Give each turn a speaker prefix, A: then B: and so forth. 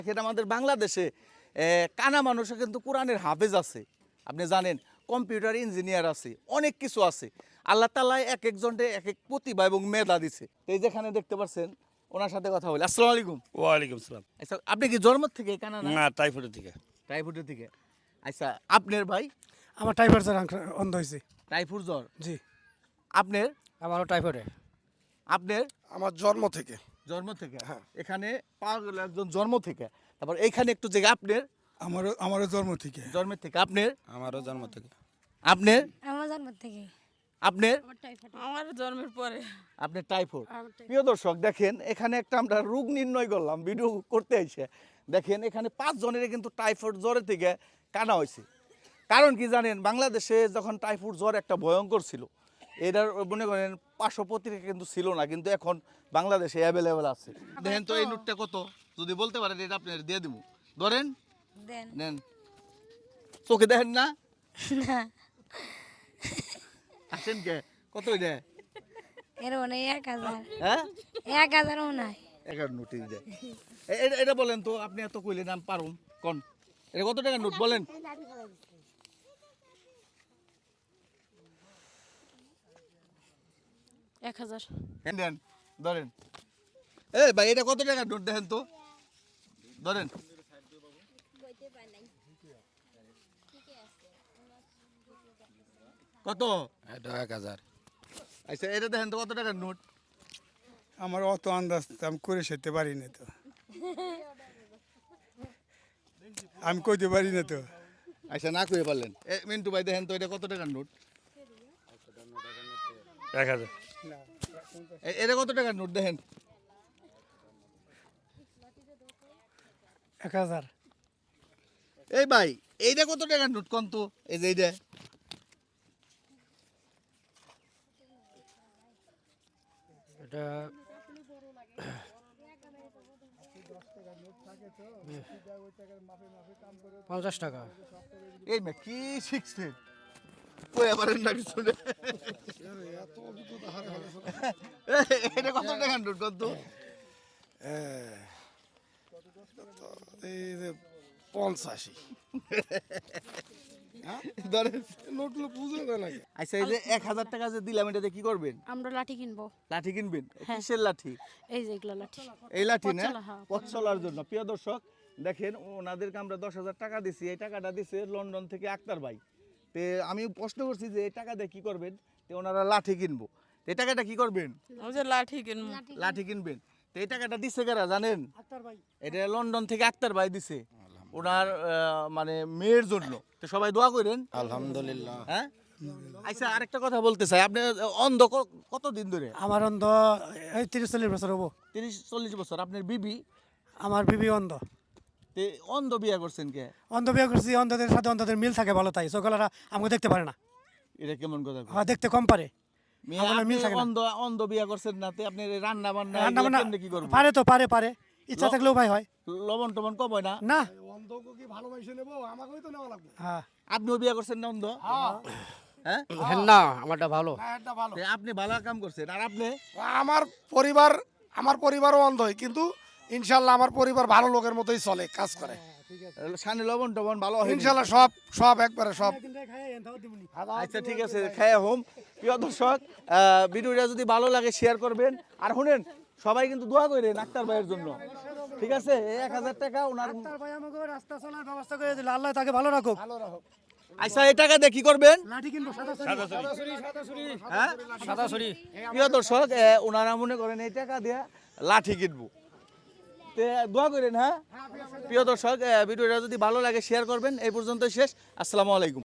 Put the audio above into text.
A: এখানে আমাদের বাংলাদেশে কানা মানুষও কিন্তু কোরআনের হাফেজ আছে, আপনি জানেন, কম্পিউটার ইঞ্জিনিয়ার আছে, অনেক কিছু আছে। আল্লাহ তাআলা এক একজনকে এক এক প্রতিভা এবং মেধা দিছে। এই যেখানে দেখতে পাচ্ছেন, ওনার সাথে কথা বলি। আসসালামু আলাইকুম।
B: ওয়ালাইকুম সালাম।
A: আচ্ছা, আপনি কি জন্ম থেকে কানা না?
B: না, টাইফয়েডের থেকে।
A: টাইফয়েডের থেকে। আচ্ছা, আপনার ভাই?
C: আমার টাইফয়েড জ্বর অন্ধ হয়েছে।
A: টাইফয়েড জ্বর?
C: জি।
A: আপনার?
C: আমারও টাইফয়েডে।
A: আপনার?
D: আমার জন্ম থেকে।
A: জন্ম থেকে?
D: হ্যাঁ।
A: এখানে পাওয়া গেল একজন জন্ম থেকে। তারপর এইখানে একটু জায়গা আপনার?
D: আমারও জন্ম থেকে।
A: জন্মের থেকে। আপনার?
B: আমারও জন্ম থেকে।
A: আপনার?
E: আমার জন্ম থেকে।
A: আপনার?
E: আমার জন্মের পরে।
A: আপনার টাইফয়েড। প্রিয় দর্শক দেখেন, এখানে একটা আমরা রোগ নির্ণয় করলাম ভিডিও করতে এসে। দেখেন এখানে 5 জনের কিন্তু টাইফয়েড জ্বরের থেকে কানা হয়েছে। কারণ কি জানেন, বাংলাদেশে যখন টাইফয়েড জ্বর একটা ভয়ঙ্কর ছিল, এটার মনে করেন পার্শ্বপত্রিকা কিন্তু ছিল না, কিন্তু এখন বাংলাদেশে অ্যাভেলেবেল আছে। দেখেন তো এই নোটটা কত, যদি বলতে পারেন এটা আপনার দিয়ে দেবো। ধরেন,
E: দেন।
A: নেন। চোখে দেখেন না?
E: না,
A: আসেন কে, কত এটা?
E: এর মনে হয় 1000।
A: হ্যাঁ,
E: 1000 মনে হয়।
A: 11 নোটিশ দেয়। এটা বলেন তো, আপনি এত কইলেন আমি পারুম কোন, এটা কত টাকার নোট বলেন?
E: 1000।
A: দেন, ধরেন। ভাই এটা কত টাকার নোট দেখেন তো, ধরেন। কত?
B: এটা 1000।
A: আচ্ছা, এটা দেখেন তো কত টাকার নোট?
D: আমার অত আন্দাজ আমি করে সেতে পারি না তো। আমি কইতে পারি না তো।
A: আচ্ছা, না কইতে পারলেন। মিন্টু ভাই দেখেন তো এটা কত টাকার নোট?
B: 1000।
A: এটা কত টাকার নোট দেখেন?
C: 1000।
A: এই ভাই, এইটা কত টাকার নোট কোন তো? এই যে এইটা।
C: এটা 50 টাকা।
A: এই মে কি শিখছেন? কইয়া পারেন না কিছু না। এটা কত টাকার নোট কোন তো?
D: এই যে 85।
A: ধরেন।
D: নোটগুলো বুঝে না নাকি?
A: আচ্ছা, এই যে 1000 টাকা যে দিলাম, এটাতে কি করবেন?
E: আমরা লাঠি কিনবো।
A: লাঠি কিনবেন? কিসের লাঠি?
E: এই যে এগুলো লাঠি।
A: এই লাঠি না,
E: পথ চলা, হ্যাঁ,
A: পথ চলার জন্য। প্রিয় দর্শক দেখেন, ওনাদেরকে আমরা 10,000 টাকা দিছি। এই টাকাটা দিছে লন্ডন থেকে আক্তার ভাই। তে আমি প্রশ্ন করছি যে এই টাকা দিয়ে কি করবেন? তে ওনারা লাঠি কিনবো। তো এই টাকাটা কি করবেন?
F: ওই যে লাঠি কিনবো।
A: লাঠি কিনবেন। তো এই টাকাটা দিছে কারা জানেন?
C: আক্তার ভাই।
A: এটা লন্ডন থেকে আক্তার ভাই দিছে ওনার মানে মেয়ের জন্য। তো সবাই দোয়া করেন।
B: আলহামদুলিল্লাহ।
A: হ্যাঁ। আচ্ছা, আরেকটা কথা বলতে চাই, আপনি অন্ধ কতদিন ধরে?
C: আমার অন্ধ এই 30-40 বছর হবো।
A: 30-40 বছর। আপনার বিবি?
C: আমার বিবি অন্ধ।
A: তে অন্ধ বিয়া করছেন কে?
C: অন্ধ বিয়ে করছি, অন্ধদের সাথে অন্ধদের মিল থাকে ভালো, তাই চোখলারা আমাকে দেখতে পারে না।
A: এটা কেমন কথা?
C: হ্যাঁ, দেখতে কম পারে।
A: মেয়ে,
C: আমার
A: আপনি
C: মিল থাকে না।
A: অন্ধ বিয়া করছেন না, তে আপনি রান্না বান্না
C: রান্না
A: এগুলা
C: বান্না
A: কেমনে কি করবেন?
C: পারে তো, পারে ইচ্ছা থাকলেও ভাই হয়
A: লবণ টবণ কম হয় না?
C: না।
D: অন্ধকে কি ভালোবাসে নেবো? আমাকেই তো নেওয়া লাগবে।
C: হ্যাঁ।
A: আপনিও বিয়া করছেন না অন্ধ? হ্যাঁ।
C: না, আমারটা ভালো।
D: হ্যাঁ, এটা ভালো।
A: তে আপনি ভালো কাম করছেন। আর আপনি?
D: আমার পরিবারও অন্ধ হয়, কিন্তু ইনশাল্লাহ আমার পরিবার ভালো লোকের মতোই চলে, কাজ করে।
A: সানি লবণ টবণ ভালো হয়?
D: ইনশাল্লাহ সব একবারে সব।
A: আচ্ছা, ঠিক আছে, খায়া হোম। প্রিয় দর্শক, ভিডিওটা যদি ভালো লাগে শেয়ার করবেন। আর শুনেন, সবাই কিন্তু দোয়া করেন আক্তার ভাইয়ের জন্য, ঠিক আছে? 1000 টাকা ওনার।
C: আক্তার ভাই আমাকে রাস্তা চলার ব্যবস্থা করে দিল, আল্লাহ তাকে ভালো রাখুক।
A: আচ্ছা, এই টাকা দিয়ে কি করবেন?
C: লাঠি কিনবো,
A: হ্যাঁ, প্রিয় দর্শক, ওনারা মনে করেন এই টাকা দিয়ে লাঠি কিনবো। তে দোয়া করেন। হ্যাঁ, প্রিয় দর্শক, ভিডিওটা যদি ভালো লাগে শেয়ার করবেন। এই পর্যন্ত শেষ। আসসালামু আলাইকুম।